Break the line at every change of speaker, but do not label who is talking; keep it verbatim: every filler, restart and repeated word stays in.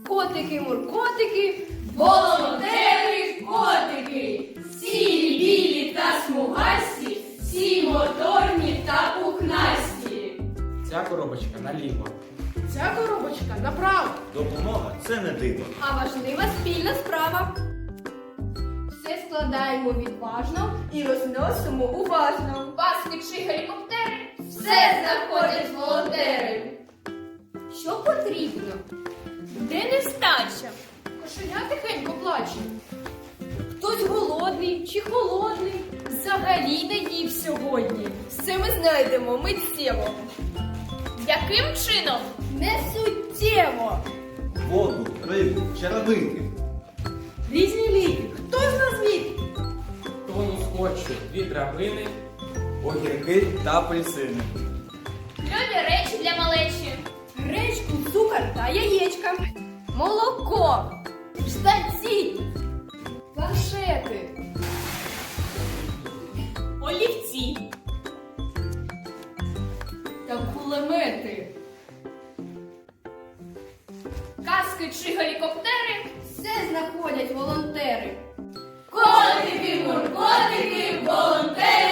Котики-муркотики,
Волонтери-котики, сірі, білі та смугасті, всі моторні та пухнасті.
Ця коробочка наліво.
ця коробочка направо,
Допомога це не диво.
а важлива спільна справа. Все складаємо відважно і розносимо уважно.
Паски чи гелікоптери, все знаходять волонтери.
Що потрібно?
Де нестача?
Кошеня тихенько плаче. Хтось голодний чи холодний, взагалі не їв сьогодні. Все ми знайдемо миттєво.
Яким чином?
Не суттєво.
Воду, рибу, черевики.
Різні ліки. Хто з нас міг?
Тону скотчу дві драбини, огірки та апельсини.
Любі речі для малечі.
Гречку, цукор та яєчка. Молоко. Штанці. Планшети.
Олівці.
Та кулемети.
Каски чи гелікоптери,
Все знаходять волонтери.
котики, муркотики, волонтери.